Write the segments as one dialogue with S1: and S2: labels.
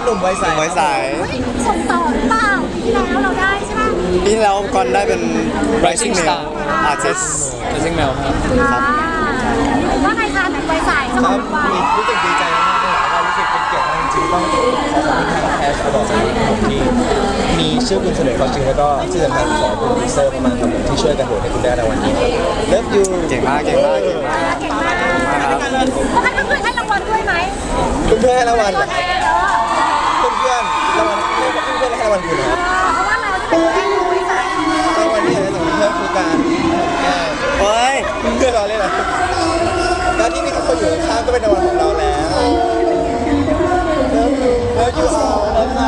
S1: นุ่มไวใส
S2: ไว้สาย
S3: ส่งต่อหรือเปล่าปีที่แล้วเราได้ใช่ไหม
S2: ปีที่แล้วก่อนได้เป็น Rising Male Artist
S4: Rising Male ครับ
S3: ว่าไงคะแบบไวสายส
S1: ค
S3: ม
S1: รั
S3: อบ งวัย
S1: รู้สึกดีใจมากเลยว่ารู้สึกเป็นเกียรติมากจริงๆต้องขอขอบคุณทางแคชตลอดจากที่มีชื่อคุณเสนอความจริงแล้วก็ที่สำคัญขอบคุณดีเซอร์มากๆครับผมที่ช่วยกันโหวตให้คุณได้ในวันนี้ Love you
S2: เก่งมากเก่งมากเก่งมาก
S3: เก่งมาก
S2: ครับ
S3: เขาให้เพื่อนๆให้รางวัลด้วยไหม
S1: เพื่อนๆให้รางวัล
S3: ตัวแทนเนาะ
S1: เพื่อนๆรางวัลเพื่อนๆให้รางวัลคุณนะครับ
S3: เพราะว่าเราจะเป็นแค่ดูไวสาย
S1: รางวัลนี้อะไรสำหรับเพื่อนคือการแก้
S2: เฮ้ย
S1: เพื่อนเราเล่นอะไรการที่มีคนอยู่ข้างก็เป็นรางวัลของเราแล้วแล้วยูเอาแล้วค่ะ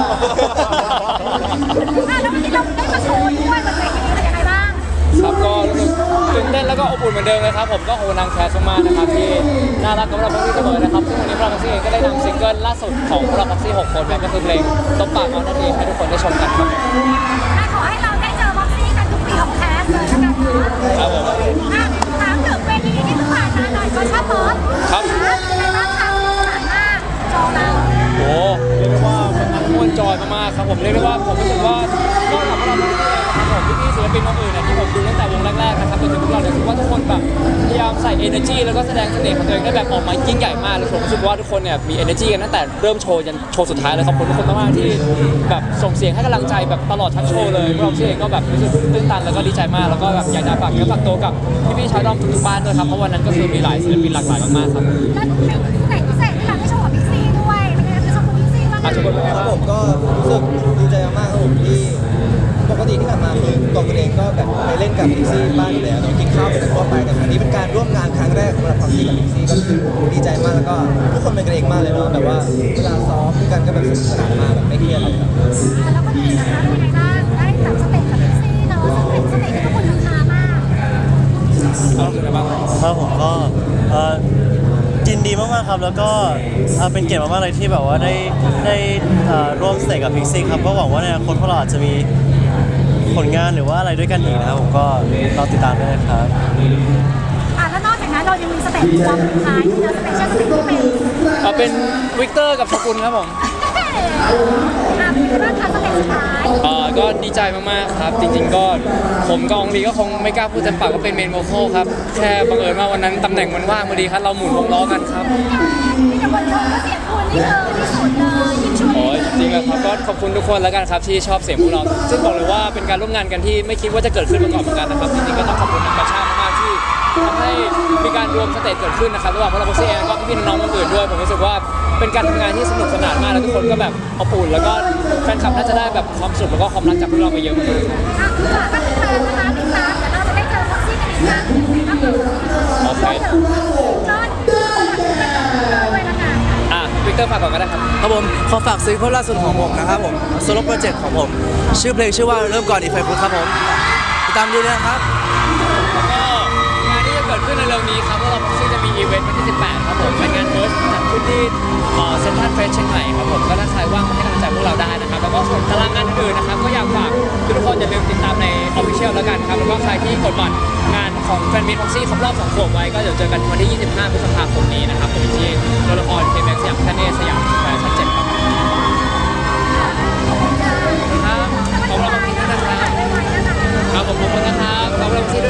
S3: แล้ววันนี้เราได้มาโชว์ด้วยมันเป็นยังไงบ้าง
S4: ครับก็รู้สึกตื่นเต้นแล้วก็อบอุ่นเหมือนเดิมเลยครับผมก็ขอบคุณทางแคสมากๆนะครับที่น่ารักกับเราพ็อกซี่เสมอนะครับซึ่งวันนี้พวกเราพ็อกซี่เองก็ได้นำซิงเกิลล่าสุดของพวกเราพ็อกซี่6 คนครับก็คือเพลงตบปากเอานั่นเองให้ทุกคนได้ชมกันครับ
S3: ขอให้เราได้เจอบ็อกซี่กันทุกปีของแคสเลยแล้วกันนะครับ
S4: ผม
S3: ถามถึงเวทีที่เพิ่งผ่านมาหน่อยก็ชอบป๊อป
S4: ครับ
S3: เป็นไงบ้างคะสนานมากโชว์เรา
S4: โอ้เรียกได้ว่าเป็นงานม่วนจอยมากๆครับผมเรียกได้ว่าผมรู้สึกว่าก็กับพวกเราพ็อกซี่เองนะครับผมพี่ๆศิลปินคนอื่นเนี่ยที่ผมดูตั้งแต่วงแรกๆนะครับจนถึงพวกเราเนี่ยรู้สึกว่าทุกคนแบบพยายามใส่ energy แล้วก็แสดงเสน่ห์ของตัวเองได้แบบออกมายิ่งใหญ่มากแล้วผมรู้สึกว่าทุกคนเนี่ยมี energy กันตั้งแต่เริ่มโชว์ยันโชว์สุดท้ายเลยขอบคุณทุกคนมากๆที่แบบส่งเสียงให้กำลังใจแบบตลอดทั้งโชว์เลยพวกเราเองก็แบบรู้สึกตื้นตันแล้วก็ดีใจมากแล้วก็แบบอยากจะฝากเนื้อฝากตัวกับพี่ๆชาวดอมทุกๆบ้านด้วยครับเพราะวันนั้นก็คือมีหลายศิลปินหลากหลายมากๆครับ
S3: แล้วเป็นพิเศษที่เราได้โชว์กับพิกซี่ด้วยเป็นไงจะชมกับพิกซี่บ้างไหม
S4: อาจจะเป็น
S1: ครับผมก็รู้สึกดีใจมากๆครับผมที่ปกติที่ผ่านมาคือตัวคุณเองก็แบบไปเล่นกับพิกซี่บ้านอยู่แล้วกินข้าวไปทั่วไปแต่ครั้งนี้เป็นการร่วมงานครั้งแรกสำหรับความจริงกับพิกซี่ก็คือดีใจมากแล้วก็ทุกคนเป็นกันเองมากเลยเนาะแบบว่าเวลาซ้อมด้วยกันก็แบบสนุกสนานมากแบบไม่เครียดเลยครับ
S3: แล้วคนอื่นนะคะเป็นยังไงบ้างได้แบบสเต็ปกับพิกซี่เนาะซึ่งเป็นสเต็ปที่ทุกคนราคามาก
S4: เอารู้สึกไงบ้าง
S5: ครับผมก็ยินดีมากๆครับแล้วก็เป็นเกียรติมากๆเลยที่แบบว่าได้ร่วมสเตจกับพิกซี่ครับก็หวังว่าในอนาคตพวกเราอาจจะมีผลงานหรือว่าอะไรด้วยกันอีกนะครับผมก็รอติดตามด้วยนะครับ
S3: แล้วนอกจากนั้นเรายังมีสเต็ปรวมสุดท้ายที่เราสเปเชียลสเต็ปที่เป็น
S4: เป็นวิกเตอร์กับชกุลครับผม
S3: เป็นยังไงบ้างคะสเต็ปสุดท้าย
S4: ก็ดีใจมากๆครับ จริงๆก็ผมกับองลีก็คงไม่กล้าพูดเต็มปากว่าเป็นเมนโวคอลครับ แค่บังเอิญว่าวันนั้นตำแหน่งมันว่างพอดีครับเราหมุนวงล้อกันครับ
S3: มีแต่คนชมก็เสียงคุณนี่ที่สุดเลยยิ่งช่วย
S4: โอ้ยจริงๆแล้วครับก็ขอบคุณทุกคนแล้วกันครับที่ชอบเสียงพวกเรา ซึ่งบอกเลยว่าเป็นการร่วมงานกันที่ไม่คิดว่าจะเกิดขึ้นมาก่อนเหมือนกันนะครับ จริงๆก็ต้องขอบคุณทางประชามากๆที่ทำให้มีการรวมสเตจเกิดขึ้นนะครับระหว่างพวกเราพ็อกซี่เองแล้วก็พี่ๆน้องๆคนอื่นด้วยผมรู้สึกว่าเป็นการทำงานที่สนุกสนานมากแล้วทุกคนก็แบบอบอุ่นแล้วก็แฟนคลับน่าจะได้แบบความสุขแล้วก็ความรักจากพวกเราไปเยอะมาก
S3: ฝากกันแฟนนะคะติดตามเดี๋ยวเราจะได้เจอพ็อกซี่กันอีกครั้งก็คือ
S4: โอเค
S3: ก็ด้วยละกัน
S4: วิกเตอร์ฝากก่อนก็ได้ครับ
S2: ครับผมขอฝากซิงเกิลล่าสุดของผมนะครับผมโซโล่โปรเจกต์ของผมชื่อเพลงชื่อว่าเริ่มก่อนอีกไฟฟุตครับผมติดตามดีเลยนะครับ
S4: แล้วก็งานที่จะเกิดขึ้นในเร็วนี้ครับพวกเราพ็อกซี่จะมีอีเวนต์วันที่ 18 ครับผมเป็นงานเฟิร์สจัดขึ้นที่เซ็นทรัลเฟสเชียงใหม่ครับผมก็ถ้าใครว่างมาให้กำลังใจพวกเราได้นะครับแล้วก็ส่วนตารางงานอื่นๆนะครับก็อยากฝากทุกคนอย่าลืมติดตามในออฟฟิเชียลแล้วกันครับแล้วก็ใครที่กดบัตรงานของแฟนมิตรพ็อกซี่ครบรอบ2 ขวบไว้ก็เดี๋ยวเจอกันวันที่ 25 พฤษภาคมนี้นะครับผมที่โรงละครเคแม็กซ์สยามพาเนสยามแฟชั่น7ครับครับขอบคุณมากนะครับครับผมขอบคุณนะครับขอบคุณที่